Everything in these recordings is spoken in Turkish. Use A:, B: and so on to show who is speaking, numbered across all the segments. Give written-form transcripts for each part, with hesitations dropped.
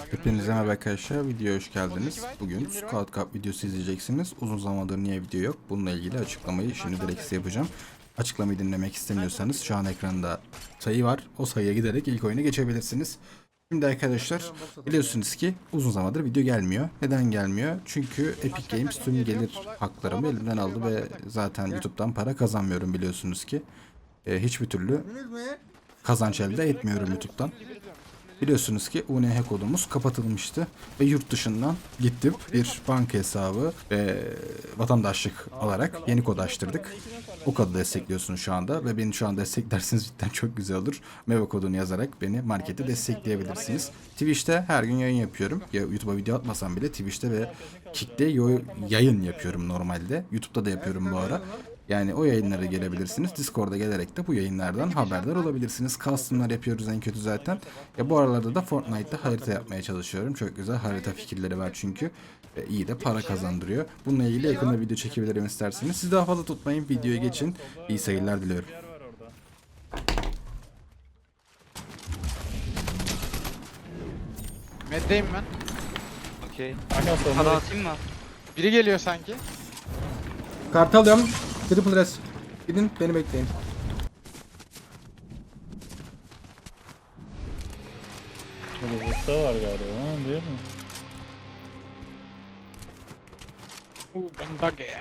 A: Hepinize merhaba arkadaşlar, videoya hoş geldiniz. Bugün Squad Cup videosu izleyeceksiniz. Uzun zamandır niye video yok? Bununla ilgili açıklamayı şimdi direkt size yapacağım. Açıklamayı dinlemek istemiyorsanız şu an ekranda sayı var. O sayıya giderek ilk oyuna geçebilirsiniz. Şimdi arkadaşlar biliyorsunuz ki uzun zamandır video gelmiyor. Neden gelmiyor? Çünkü Epic Games tüm gelir haklarımı elimden aldı ve zaten YouTube'dan para kazanmıyorum biliyorsunuz ki. Hiçbir türlü kazanç elde etmiyorum YouTube'dan. Biliyorsunuz ki UNH kodumuz kapatılmıştı ve yurt dışından gittim bir banka hesabı ve vatandaşlık alarak yeni kod açtırdık. O kodu destekliyorsunuz şu anda ve beni şu an desteklerseniz cidden çok güzel olur. Meva kodunu yazarak beni markete destekleyebilirsiniz. Twitch'te her gün yayın yapıyorum. Ya YouTube'a video atmasam bile Twitch'te ve Kick'te yayın yapıyorum normalde. YouTube'da da yapıyorum bu ara. Yani o yayınlara gelebilirsiniz. Discord'a gelerek de bu yayınlardan haberdar olabilirsiniz. Custom'lar yapıyoruz en kötü zaten. Ya bu aralarda da Fortnite'da harita yapmaya çalışıyorum. Çok güzel harita fikirleri var çünkü. Ve iyi de para kazandırıyor. Bununla ilgili yakında video çekebilirim isterseniz. Siz daha fazla tutmayın. Videoya geçin. İyi seyirler diliyorum.
B: Meddeyim ben.
C: Okey.
D: Aynen
C: Para atayım mı?
B: Biri geliyor sanki.
D: Kart alıyorum. Triple res. Gidin beni bekleyin.
E: Burada usta var galiba, ha, değil mi?
B: Bundage.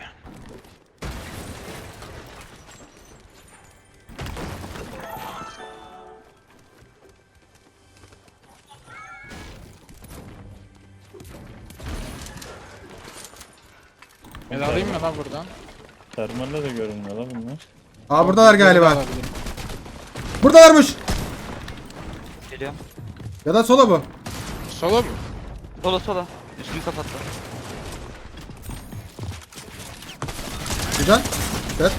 B: Ben alayım mı lan buradan?
E: Termalle de görünmüyor la bunlar.
D: Aa buradalar galiba.
B: Alabilirim.
D: Buradalarmış.
C: Geliyorum.
D: Ya da sola bu.
B: Solo mu?
C: Sola sola. Üstümü kapattı.
D: Güzel. Evet.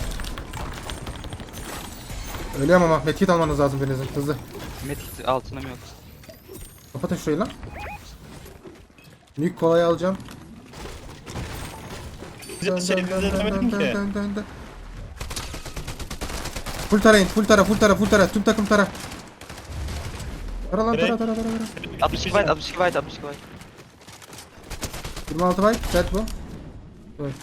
D: Ölüyorum ama medkit almanız lazım birinizin hızlı.
C: Metik altınım yok.
D: Kapatın şurayı lan. Büyük kolayı alacağım.
E: Şey düzenlemedim ki.
D: dön. Full tarayın, full tara. Tüm takım tara. Tara lan tara.
C: 62 byte 62 byte 62 byte.
D: 26 byte, set bu. Evet.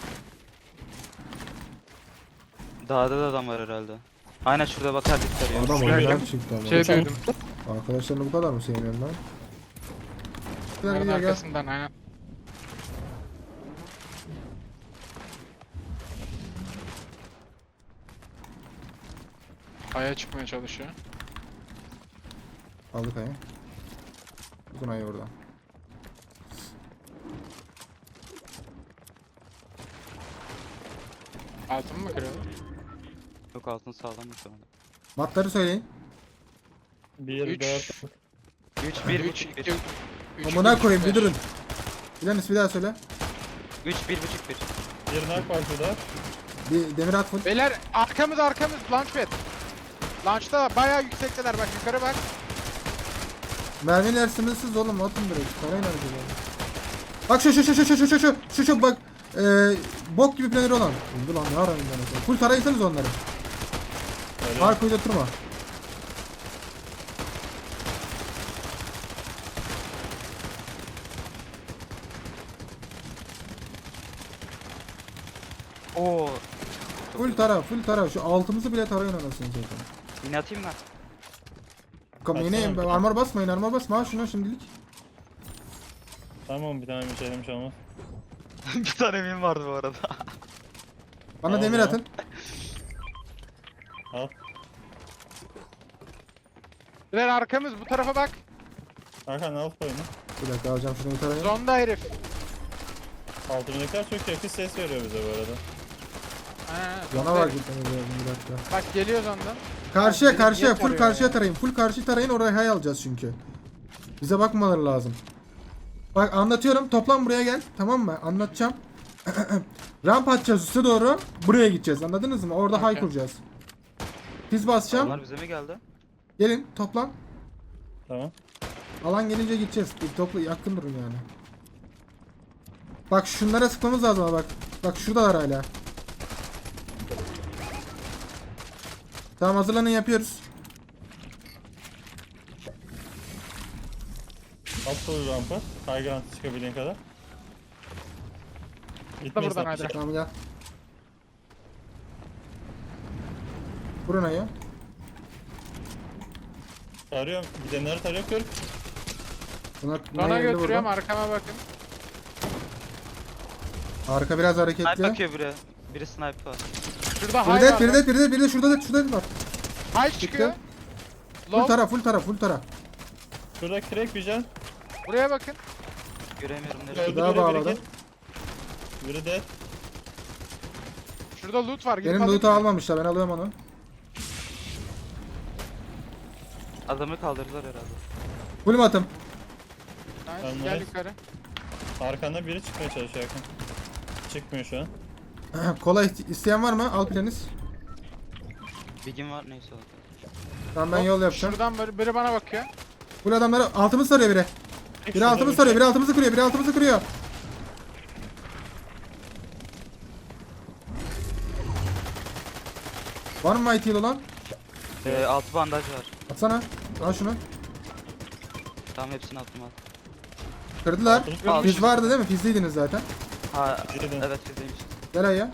C: Dağda da adam var herhalde. Aynen şurada bakar dikkat ya.
D: Adam oyundan çıktı ama.
B: Şey duydum.
D: Arkadaşlarını bu kadar mı sevmiyorsun lan?
B: Bunların
D: Gel.
B: arkasından aynen. Aya çıkmaya çalışıyor.
D: Aldık ayı. Uzun ayı orada.
B: Altın mı kırıldı?
C: Yok altın sağlam mı şu anda?
D: Matları söyleyin.
E: 1,
B: 3
E: 4,
C: 3 1
B: 3
C: 1
B: 2
D: Amına koyayım bir durun. Bilanis bir daha söyle.
C: 3 1 1
E: 1 nak var şurada.
D: Bir demir at full.
B: Beyler arkamız launchpad. Launch'ta bayağı yüksekteler bak yukarı bak.
D: Mermiler sınırsız oğlum atın direkt. Parayla harcayalım. Bak şu bak. Bok gibi planeri olan. Dur lan ne arayın ben. Full tarayırsanız onları. Mark uyduturma.
C: Oo.
D: Full tara. Şu altımızı bile tarayın anasını zaten.
C: Yine atayım mı?
D: Yine armor basmayın ha şuna şimdilik.
E: Tamam bir tane bir şey demiş ama.
C: Bir tane mim vardı bu arada.
D: Bana
E: Allah.
D: demir atın.
E: Al.
B: Beyler arkamız bu tarafa bak.
E: Hakan al koyunu.
D: Bir dakika alacağım şunu bir tarayın.
B: Zonda herif.
E: Altındakiler çok yakın ses veriyor bize bu arada.
B: Ha,
D: Yana var gitmemiz lazım bir dakika.
B: Bak geliyor zondan.
D: Karşıya
B: Niye
D: full
B: tarıyor
D: karşıya
B: ya?
D: tarayın. Full karşı tarayın oraya hay alacağız çünkü. Bize bakmaları lazım. Bak anlatıyorum toplam buraya gel tamam mı? Anlatacağım. Ramp atacağız üste doğru. Buraya gideceğiz anladınız mı? Orada hay
B: Okey.
D: kuracağız. Biz basacağım.
C: Onlar bize mi geldi?
D: Gelin toplan.
E: Tamam.
D: Alan gelince gideceğiz. Bir topla yakın durun yani. Bak şunlara sıkmamız lazım ama bak. Bak şuradalar hala. Tamam hazırlanın yapıyoruz.
E: At full rampa. High ground çıkabildiğin kadar. Gitmeyiz
B: buradan
E: lan.
B: hadi.
D: Tamam gel. Buraya ya.
E: Tarıyorum. Gidenleri tarıyor. Kır.
D: Buna
B: Bana
D: geldi
B: götürüyorum,
D: burada.
B: arkama bakın.
D: Arka biraz
C: Snipe
D: hareketli.
C: bakıyor biri. Biri snipe var.
B: Şurada
D: Bir
B: high
D: de
B: var.
D: bir de bir de bir de şurada da var.
B: High çıkıyor.
D: Full
B: Low.
D: full tara.
E: Şurada crack bir can.
B: Buraya bakın.
C: Göremiyorum
E: Öldü
C: nereye.
D: Daha
E: biri,
D: bağladı.
E: Biri dead.
B: Şurada loot var. Gidip
D: Benim
B: alayım
D: loot'u
B: mı?
D: almamışlar, ben alıyorum onu.
C: Adamı kaldırdılar herhalde.
D: Full mu atım?
B: Nice.
E: Ben
B: Gel
E: nice.
B: yukarı.
E: Arkanda biri çıkmaya çalışıyor yakın. Çıkmıyor şu an.
D: Kola isteyen var mı? Al planiz.
C: Bigim var neyse o.
D: Tamam ben
B: Hop,
D: yol yapacağım.
B: Şuradan biri bana bakıyor.
D: Full adamları altımız sarıyor biri. Biri altımız sarıyor, biri altımızı kırıyor, biri altımızı kırıyor. Var mı mighty olan?
C: Altı bandaj var.
D: Atsana. Al şunu.
C: Tamam hepsini attım al.
D: Kırdılar.
E: Altımız
D: Fiz vardı değil mi? Fizliydiniz zaten.
C: Ha
E: Girdim.
C: evet bizdeymiş.
D: Gel ayya.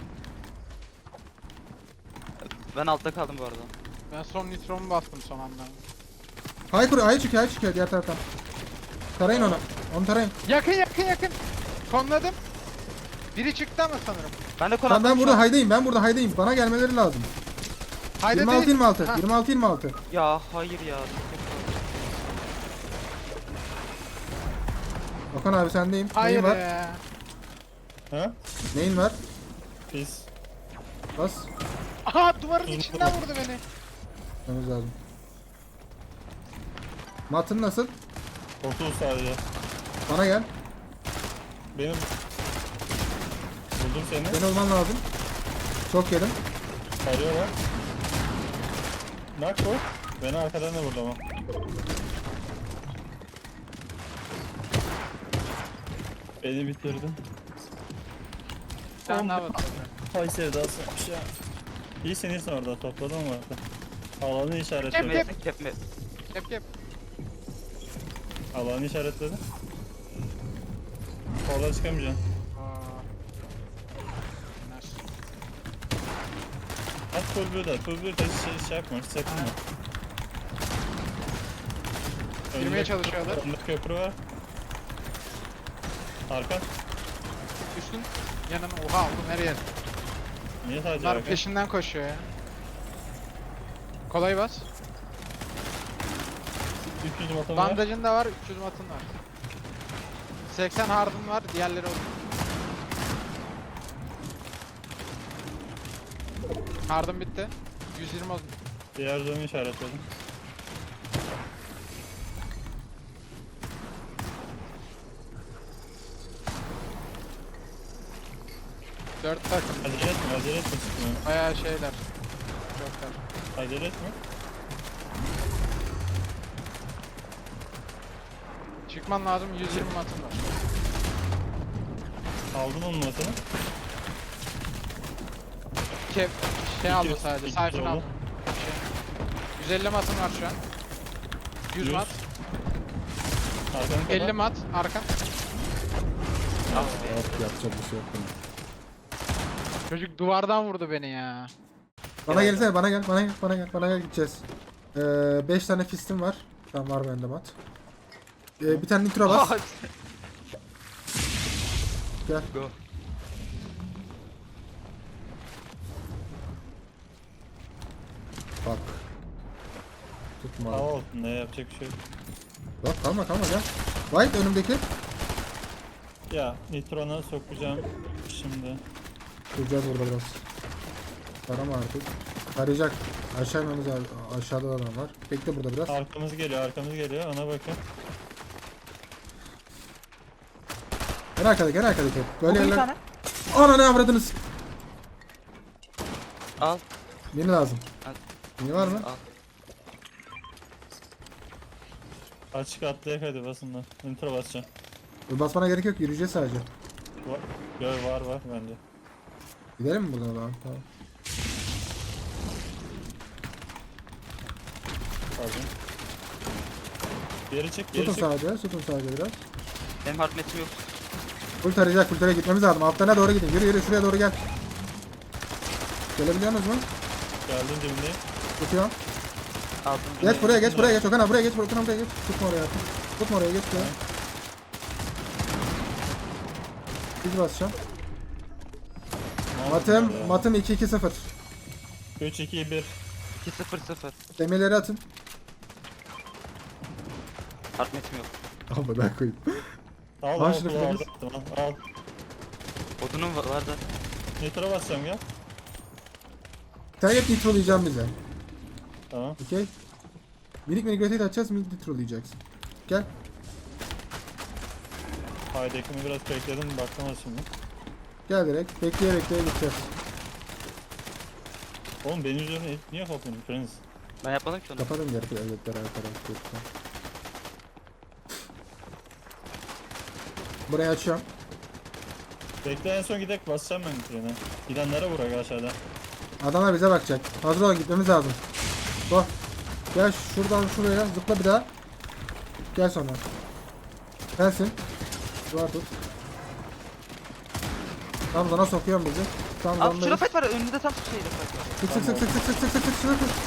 C: Ben altta kaldım bu arada.
B: Ben son nitromu bastım son anda.
D: Hay kuruyor, hay çıkıyor diğer taraftan. Tarayın onu. Onu tarayın.
B: Yakın. Konladım. Biri çıktı ama sanırım.
C: Ben de
D: Tamam ben burada haydayım, Bana gelmeleri lazım.
B: Haydi
D: 26
B: değil.
D: 26.
B: Ha.
D: 26 26.
C: Ya hayır ya.
D: Okan abi sendeyim.
B: Hayır
D: Neyin var?
B: ya.
E: Ha?
D: Neyin var?
E: Biz.
D: Bas.
B: Aha duvarın içinden vurdu beni.
D: Gitmemiz lazım. Matın nasıl?
E: 30 sadece.
D: Bana gel.
E: Benim. Buldum seni.
D: Seni olman lazım. Çok yedim.
E: Arıyorlar. Nak bu. Beni arkadan da vurdu ama. Beni bitirdin.
B: Sen ne yaptın?
E: Hay sevdasıymış ya. İyisin orada topladım mı orada? Alanı işaretledim.
C: Kepme.
B: Yap.
E: Alanı işaretledim. Orada çıkamayacaksın.
B: Aa. Nice.
E: At full blue da. Full blue da şey yapma. Hiç sakınma.
B: Girmeye çalışıyorlar.
E: Önde köprü var. Arka.
B: Üstün yanına. Oha oğlum nereye?
E: Niye sadece
B: Bunlar
E: arka?
B: peşinden koşuyor ya. Kolay bas.
E: 300 matım var.
B: Bandajın da var, 300 matın var. 80 hardın var, diğerleri olur. Hardım bitti. 120 oldu.
E: Diğer zone'u işaretledim.
B: Dört takım.
E: Acele etme çıkmıyor.
B: Bayağı şeyler. Çoklar.
E: Acele etme.
B: Çıkman lazım, 120 matın var.
E: Aldın onun matını.
B: Şey aldı
E: 200,
B: sadece,
E: 200
B: sayfını
E: oldu.
B: aldı. 150 matın var şu an. 100 mat.
E: Arkanı
B: 50 mat, arkan.
D: Evet, yapacak bir şey yok.
B: Çocuk duvardan vurdu beni ya.
D: Bana gelsene, bana gel gideceğiz. 5 tane fistim var. Tamam var bende mat. Bir tane nitro bas. Gel.
C: Go.
D: Bak. Tutma.
E: Hava olsun ne yapacak bir şey yok.
D: Bak kalma gel. White önümdeki.
E: Ya Nitron'a sokacağım şimdi.
D: Duracağız burada biraz. Tarama artık. Arayacak. Aşağı inmemiz lazım. Aşağıda da adam var. Bekle burada biraz.
E: Arkamız geliyor ona bakın.
D: En arkadaki. Böyle
C: Bir
D: yerler.
C: tane.
D: Ana ne avradınız?
C: Al.
D: Mini lazım.
C: Al.
D: Mini var mı?
C: Al.
E: Açık atlayak hadi basın lan. Nitro basacağım.
D: Basmana gerek yok. Yürüyeceğiz sadece.
E: Var bence.
D: Gidelim mi buradan lan? Tamam.
E: Pardon. Geri çık, geri
D: Tutun
E: çık.
D: sadece. Tutun sadece biraz.
C: Benim hard metim yok.
D: Full tarayacak. Full taraya gitmemiz lazım. Altlarına doğru gidin. Yürü yürü şuraya doğru gel. Gelebiliyorsunuz mu?
E: Geldim dibindeyim.
D: Tutuyorum.
C: Altın.
D: Geç buraya geç buraya geç. Okan abi buraya geç. Okan abi buraya geç. Tutma oraya. Tutma oraya geç buraya. Bizi basacağım. Matım 2-2-0.
E: 3, 2, 1.
C: 2-0-0.
D: Demirleri atın.
C: Hard metim yok.
D: Al ben koyayım.
E: Al,
D: Al
E: al,
D: şunu
E: al,
D: Filiz.
E: al.
C: Odunum var da.
E: Nitro basacağım gel.
D: Sen hep nitrolayacağım bize.
E: Tamam.
D: Okey. Minik minik rotate atacağız. Minik nitrolayacaksın. Gel.
E: Haydi ekimi biraz bekledim, bakmaz şimdi.
D: Gel direkt. Bekleye bekleye gideceğiz.
E: Oğlum benim üzerine niye kapıyorsun Prens?
C: Ben yapmadım ki onu.
D: Kapadım geri evletler arkadaşlar. Burayı açıyorum.
E: Bekle en son gidek basacağım ben Nitro'na. Gidenlere vur aşağıda.
D: Adamlar bize bakacak. Hazır olun gitmemiz lazım. Go. Gel şuradan şuraya zıpla bir daha. Gel sonra. Sensin. Duvar tut. Tam zona sokuyorum bizi. Tam
C: Abi şurada
D: zonadayız.
C: fight var. Önünde tam şeyde fight var.
D: Sık sık sık sık sık sık sık sık sık sık.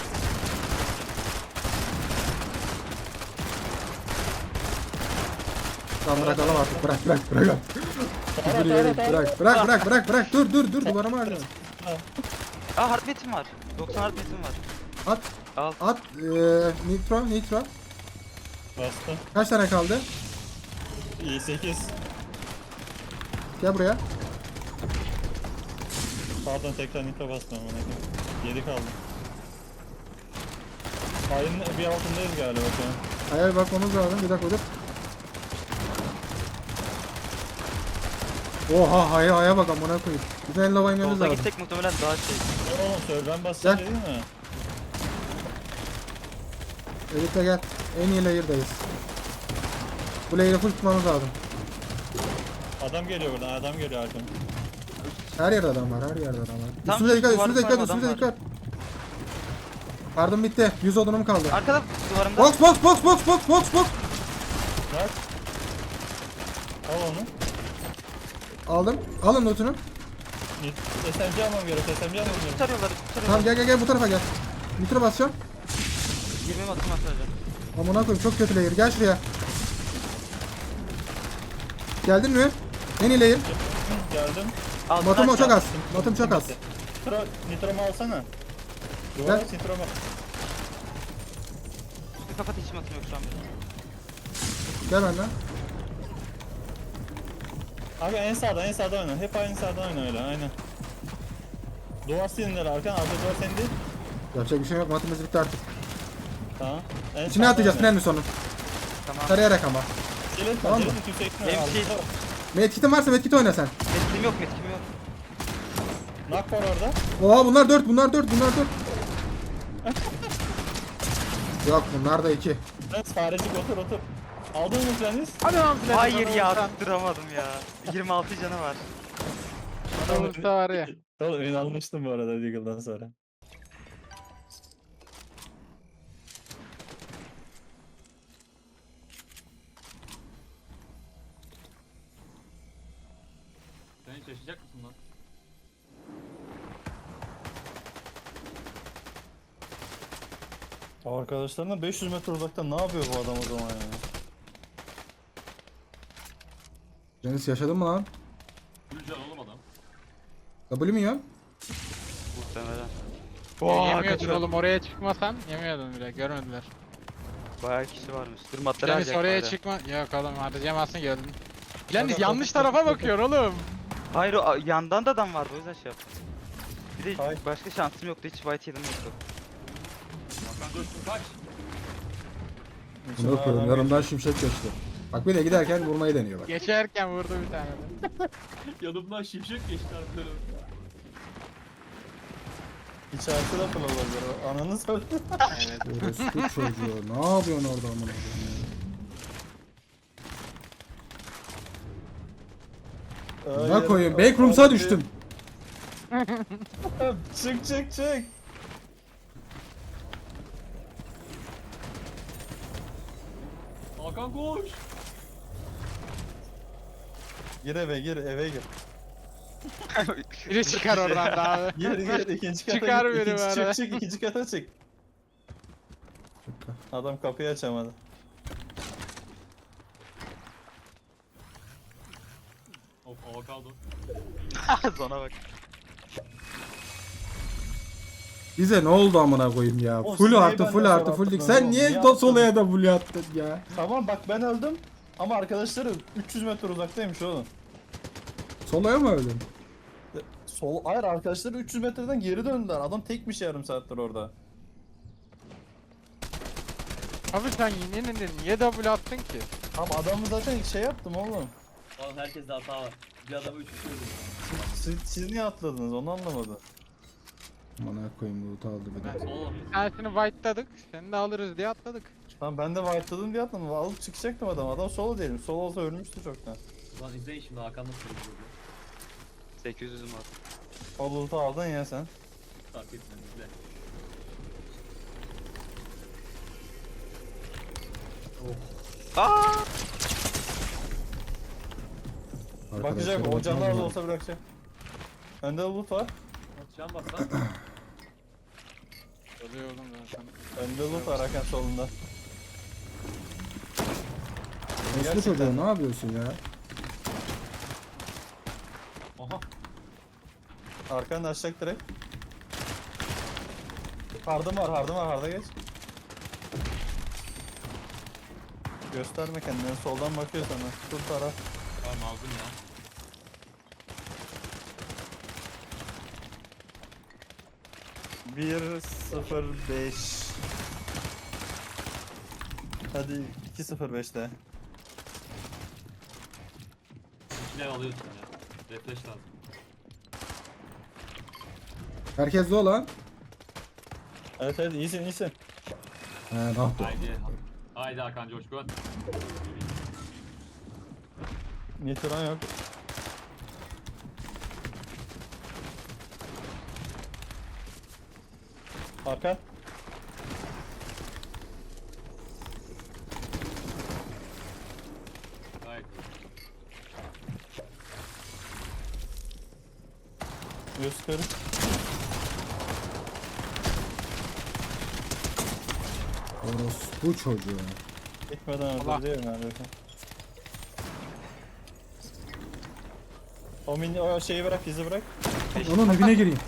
D: Tamam bırakalım artık. Bırak. Dur yere bırak. Dur duvarıma harcama.
C: Aa hard metim var. 90 hard metim var.
D: At.
C: Al.
D: At. Nitro.
E: Bastım.
D: Kaç tane kaldı?
E: İyi 8.
D: Gel buraya.
E: Pardon tekrar nitro bastım ona. 7 kaldı. Ayın bir altındayız galiba şu an.
D: Hayır bakmamız lazım. Bir dakika dur. Oha haya bak amına koyayım. Bizim en lava inmemiz
C: Yolda
D: lazım.
C: gitsek muhtemelen daha şey.
E: Oğlum serverden basacağım
D: Gel.
E: değil mi?
D: Elite gel. En iyi layer'dayız. Bu layer'ı full tutmamız lazım.
E: Adam geliyor buradan, adam geliyor arkamda.
D: Her yerde adam var.
C: Tam
D: Üstümüze
C: şu
D: dikkat,
C: duvarın
D: üstümüze dikkat,
C: sonra
D: üstümüze
C: adam
D: dikkat. Pardon bitti. 100 odunum kaldı.
C: Arkada duvarımda.
D: Box.
E: Bak. Al onu.
D: Aldım. Alın lootunu.
E: SMG almam gerek, SMG almam gerek.
C: Tutarıyorlar.
D: Tamam gel bu tarafa gel. Nitro basacağım.
C: 20 atım atacağım.
D: Amına koyayım çok kötü layer. Gel şuraya. Geldin mi? En iyi layer.
E: Geldim.
D: Matım o çok az. Matım çok az.
E: Nitro'mu alsana.
D: Gel.
E: Duvara nitro'mu.
C: Bir kapat hiç atım yok şu an.
D: Gel benden.
E: Abi en sağda oyna. Hep aynı sağda oyna öyle, aynen. Duvar silinler arkan, arka duvar senin değil.
D: Yapacak bir şey yok. Matımız bitti artık.
E: Tamam. En
D: İçine
E: sağda
D: atacağız
E: oyna.
D: tünelin sonu.
C: Tamam.
D: Tarayarak ama.
E: Gelin,
D: Tamam
E: gelin,
D: mı?
E: yüksekten
C: Benim
E: al.
C: şey-
D: Medkit'in varsa medkit oyna sen.
C: Metkim yok.
E: Knock var orada.
D: Oha bunlar 4. Yok bunlar da 2.
E: Evet, farecik otur. Aldın mı Prens?
B: Hadi lan Flash.
C: Hayır ya tutturamadım ya. 26 canı var.
B: Adamızda var ya.
E: Oğlum ben almıştım bu arada Deagle'dan sonra.
F: Sen hiç yaşayacak mısın lan?
E: Arkadaşlarına 500 metre uzakta ne yapıyor bu adam o zaman ya?
D: Deniz yaşadın mı lan?
F: Gülcan oğlum adam.
D: W mi yiyorsun?
C: Muhtemelen.
B: Yemiyordun oğlum oraya çıkmasan yemiyordun bile görmediler.
C: Bayağı kişi varmış. Dur matları
B: Deniz
C: harcayacak
B: oraya
C: bari.
B: çıkma. Yok oğlum harcayamazsın gördün. Deniz yanlış tarafa bakıyor oğlum.
C: Hayır o yandan da adam vardı o yüzden şey yaptım. Bir de
E: Hayır.
C: başka şansım yoktu hiç white heal'ım yoktu.
F: Hakan dur kaç.
D: Bunu koyayım. Yanımdan şimşek geçti. Bak bir de giderken vurmayı deniyor bak.
B: Geçerken vurdu bir tane de.
F: Yanımdan şimşek geçti harbiden.
E: İçerisi de olabilir o. Ananı sor.
B: Evet.
D: Orospu çocuğu. Ne yapıyorsun orada amına koyayım? Ne koyayım? Backrooms'a düştüm.
E: Çık.
F: Okan koş.
E: Gir eve gir eve gir.
B: Biri çıkar oradan da abi.
E: Gir gir ikinci kata
B: Çıkar
E: gir.
B: beni
E: İkinci
B: bana.
E: çık ikinci kata çık. Adam kapıyı açamadı.
F: Of avokado.
C: Zona bak.
D: Bize ne oldu amına koyayım ya?
E: Oğlum,
D: Full
E: siz niye
D: artı
E: benden
D: full
E: sonra
D: artı full dik.
E: attınız
D: Sen
E: oğlum?
D: niye
E: Niye
D: solaya da full attın ya?
E: Tamam bak ben öldüm. Ama arkadaşları 300 metre uzaktaymış oğlum.
D: Solaya mı öldün?
E: Hayır arkadaşları 300 metreden geri döndüler. Adam tekmiş yarım saattir orada.
B: Abi sen yine niye double attın ki?
E: Tamam adamı zaten şey yaptım oğlum.
F: Oğlum herkeste hata var. Bir adamı 3 kişi öldürdü.
E: Siz niye atladınız onu anlamadım.
D: Amına koyayım loot aldı bir de.
F: Oğlum.
B: Bir tanesini white'ladık. Seni de alırız diye atladık.
E: Tamam ben de white'ladım diye atladım. Alıp çıkacaktım adam. Adam solo değilim. Solo olsa ölmüştü çoktan.
F: Lan izleyin şimdi Hakan nasıl öldürdü.
C: 800'üm var.
E: O loot'u aldın ya sen.
F: Fark etmez izle.
C: Aa!
E: Bakacak o canlı az olsa bırakacak. Önde loot var.
F: Can bas lan.
B: Oluyor oğlum zaten.
E: Önde loot var Hakan solunda.
D: Mesut çocuğu ne yapıyorsun ya?
F: Aha.
E: Arkanı açacak direkt. Hardım var harda geç. Gösterme kendini soldan bakıyor sana. Tut taraf.
F: Tamam aldım ya.
E: Bir 0-5. Hadi 2-0-5'te.
F: İçine alıyorsun ya. Refresh lazım.
D: Herkes de olan.
E: Evet iyisin.
D: He ne yaptı?
F: Haydi. Haydi Hakan Coşkun.
E: Nitron yok. Hakan.
F: Gayet iyi.
E: 140.
D: Orospu çocuğu.
E: Gitmeden
B: Allah.
E: öldürüyor neredeyse. O şeyi bırak, izi bırak.
D: Onun dibine gireyim.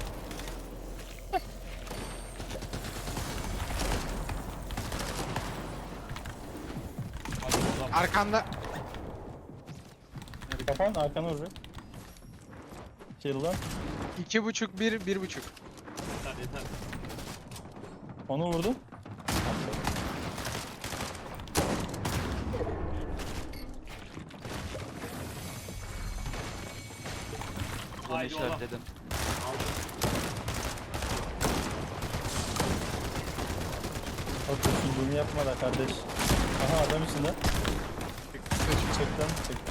F: Hadi oğlum.
B: Arkanda.
E: Kapan, arkana vuracak. Kill'dan.
B: 2.5 1 1.5.
F: Yeter yeter.
E: Onu vurdum.
C: Bunu
F: Haydi oğlum.
C: işaretledim.
E: Bak düşündüğünü yapma da kardeş. Aha adam içinde. Çektim.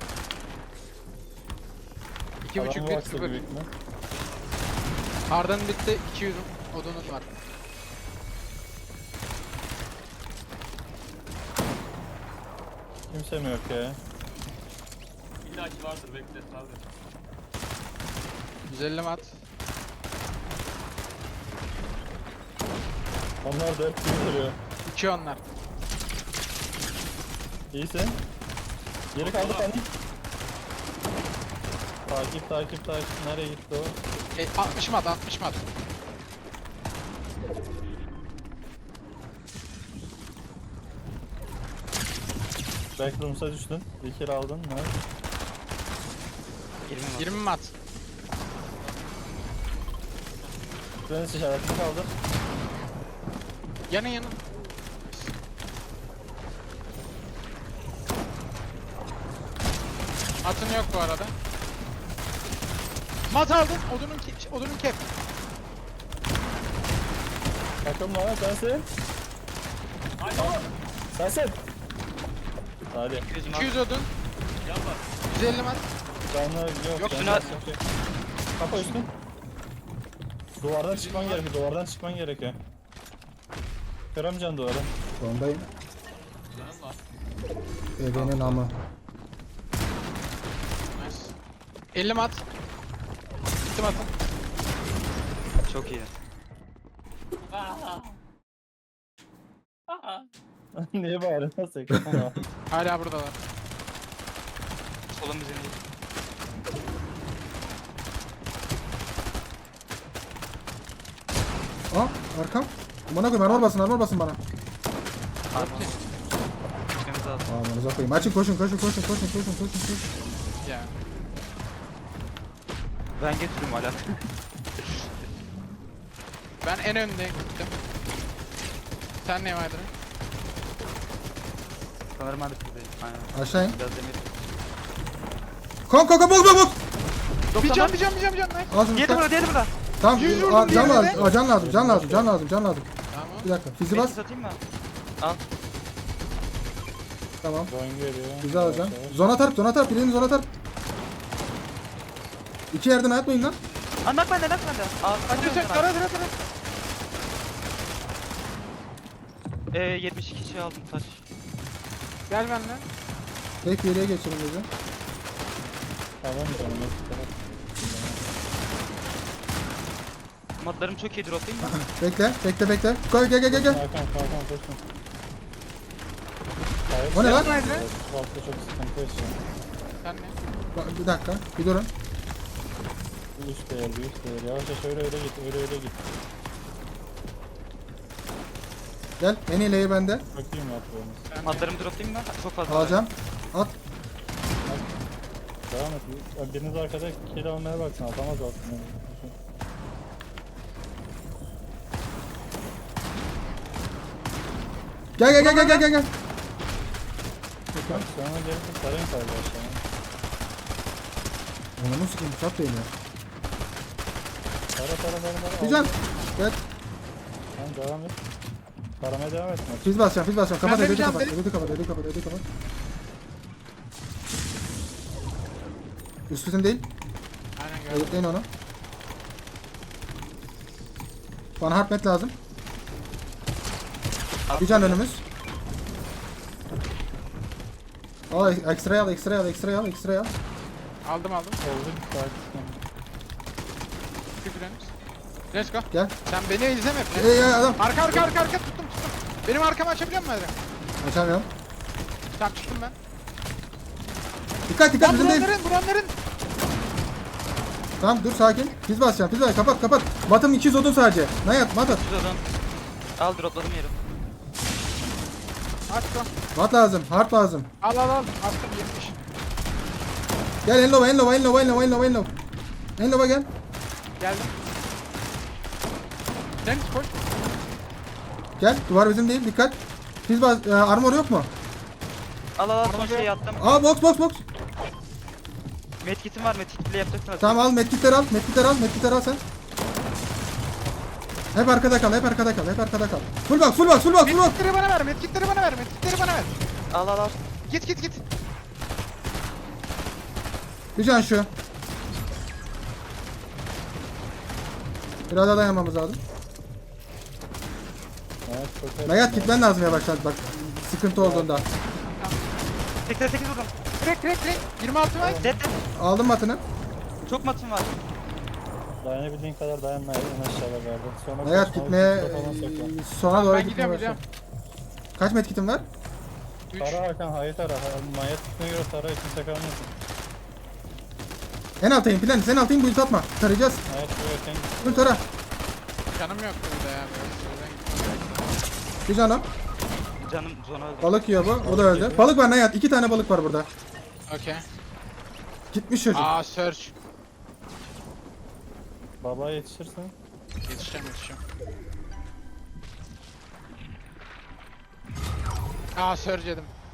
B: 2.5
E: Adamı
B: 1
E: baksa
B: 0.
E: büyük mü?
B: Arda'nın bitti 200 odunun var.
E: Kimse mi yok ya?
F: İlla ki vardır bekle sabret.
B: 150 mat.
E: Onlar 4 kimi duruyor.
B: 2 onlar.
E: İyisin. Geri kaldı
F: Oğlum.
E: panik. Takip. Nereye gitti o?
B: 60 mat 60 mat.
E: Backrooms'a düştün. Bir kill aldın. Ne?
C: 20 var.
B: 20 mat.
E: Dönüş işaretini kaldır.
B: Yanın. Matın yok bu arada. Mat aldın. Odunun kep.
E: Takım var sensin.
F: Haydi.
E: Sensin. Hadi.
C: 200 var.
B: 200 odun.
F: Can var.
B: 150 mat.
E: Canlı yok.
C: Yok,
E: canlı
C: Sinan.
E: yok. Kapa üstün. Duvardan çıkman gerekiyor. Kıramayacağım duvarı.
D: Sondayım.
F: Canım var.
D: Ebenin amı.
B: Nice. 50 mat. Gittim atın.
C: Çok iyi.
E: Niye bağırıyorsun sen?
B: Hala buradalar.
C: Solun bizim değil.
D: Aa arkam. Bana koyayım armor basın bana.
C: Gitmemiz lazım.
D: Amanıza koyayım. Açın koşun.
B: Ya.
C: Ben getiriyorum hala.
B: Ben en önde gittim. Sen ne vardı?
C: Sanırım ben de sizdeyim. Aynen.
D: Aşağı in.
C: Biraz demir.
D: Kom bok.
B: Bir can. Nice.
D: Al şunu.
C: Diğeri burada, diğeri burada.
D: Tamam.
B: Yüz vurdum
D: Can
B: diğerine
D: lazım.
B: de.
D: Can lazım.
B: Tamam.
D: Bir dakika. Fizi bas.
C: Beni satayım mı? Al.
D: Tamam.
E: Drone geliyor.
D: Fizi alacağım. Zona tarp. Birini zona tarp. İki yerden atmayın lan.
C: Anlat bende. Al.
B: Hadi sen tara.
C: 72 şey aldım taş.
B: Gel benimle.
D: Tek bir yere geçelim dedi.
E: Alamayacağım.
C: Matlarım çok iyi droplayayım mı?
D: Bekle. Koy gel.
E: Hakan koşun.
D: O ne lan?
E: Bu hafta çok sıkıntı yaşıyor.
B: Sen ne?
D: Bir dakika. Bir durun.
E: Üst değer. Yavaşça öyle git.
D: Gel. En iyi leği bende.
E: Bakayım yapıyorsunuz.
C: Matlarımı droplayayım mı? Çok fazla.
D: Alacağım. At.
E: Devam et. Ya biriniz arkada kill almaya baksın. Atamaz aslında.
D: Gel.
E: Bak sonra gelip sarayım sadece aşağıya.
D: Onu nasıl sikeyim? Çat değiliyor.
E: Tara.
D: Bir can. Gel.
E: Tamam devam et. Taramaya devam et.
D: Fiz basacağım. Kapat.
B: Ben
D: Ed'i
B: vereceğim,
D: kapat. Üstüsün değil.
B: Aynen gördüm.
D: Editleyin onu. Bana harpmet lazım. Bir can önümüz. Al ekstrayı al.
B: Aldım.
E: Oldu bir saat.
B: Let's go.
D: Gel.
B: Sen beni izleme.
D: Adam.
B: Arka tuttum. Benim arkamı açabiliyor musun Adem?
D: Açamıyorum.
B: Tamam çıktım ben.
D: Dikkat bizim değil.
B: Buranların.
D: Tamam dur sakin. Fiz basacağım. Kapat. Matım 200 odun sadece. Nayat mat at.
C: Şuradan. Al dropladım yeri.
B: Aç go.
D: Mat lazım. Harp lazım.
B: Al. Attım 70.
D: Gel Enlova. Enlova gel.
B: Geldim. Sen koş.
D: Gel. Duvar bizim değil. Dikkat. Fiz bas. Armor yok mu?
C: Al son şeyi attım.
D: Aa box.
C: Medkit'im var, medkit bile yapacaksın.
D: Tamam al medkitleri al sen. Hep arkada kal. Full box.
B: Medkitleri bana ver.
C: Al.
B: Git.
D: Bir can şu. Biraz daha dayanmamız lazım.
E: Evet çok
D: Nayat gitmen lazım yavaştan bak. Sıkıntı olduğunda.
C: 88 vurdum.
B: Direkt. 26 var.
C: Dead.
D: Aldım matını.
C: Çok matım var.
E: Dayanabildiğin kadar dayanma en aşağıda verdi. Sonra
D: Nayat
E: koşma,
D: gitmeye
E: üstüne falan saklan.
D: sona doğru
B: Ben
D: gitmeye
B: gidiyorum.
D: başla. Kaç medkitin var?
B: 3.
E: Tara Hakan hayır tara. Mayat üstüne göre tara kimse kalmasın.
D: En altayım bu ulti atma. Tarayacağız.
E: Mayat böyle sen git.
D: Dur tara.
B: Canım yok burada ya.
D: Bir canım.
C: Canım zona öldü.
D: Balık yiyor bu. O da öldü. Balık var Nayat. 2 tane balık var burada.
B: Okey.
D: Gitmiş çocuk.
B: Search.
E: Babaya yetişirsin.
B: Yetişeceğim. Search yedim.